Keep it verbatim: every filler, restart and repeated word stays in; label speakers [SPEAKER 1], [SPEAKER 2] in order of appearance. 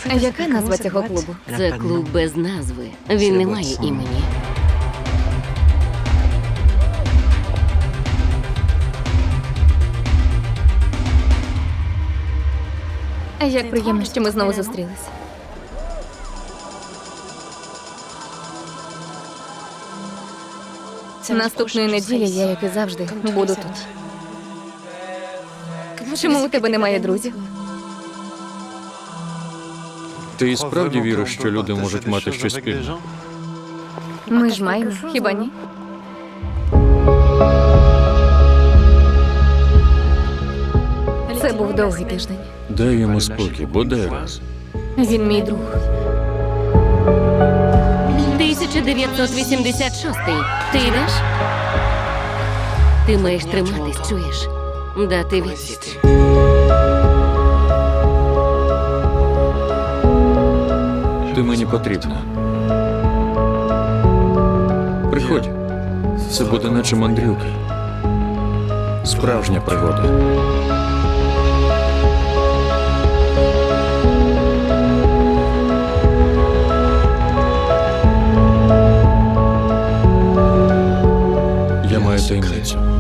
[SPEAKER 1] Яка назва цього клубу?
[SPEAKER 2] Це клуб без назви. Він не має імені.
[SPEAKER 1] Як приємно, що ми знову зустрілися. Наступної неділі я, як і завжди, буду тут. Чому у тебе немає друзів?
[SPEAKER 3] Ти і справді віриш, що люди можуть мати щось спільне?
[SPEAKER 1] Ми ж маємо, хіба ні? Це був довгий тиждень.
[SPEAKER 3] Дай йому спокій, бодай раз.
[SPEAKER 1] Він мій друг.
[SPEAKER 2] тисяча дев'ятсот вісімдесят шостий. Ти йдеш? Ти маєш триматись, чуєш? Дати відсіч.
[SPEAKER 3] Ти мені потрібна. Приходь. Це буде наче мандрівка. Справжня пригода. Я маю таємницю.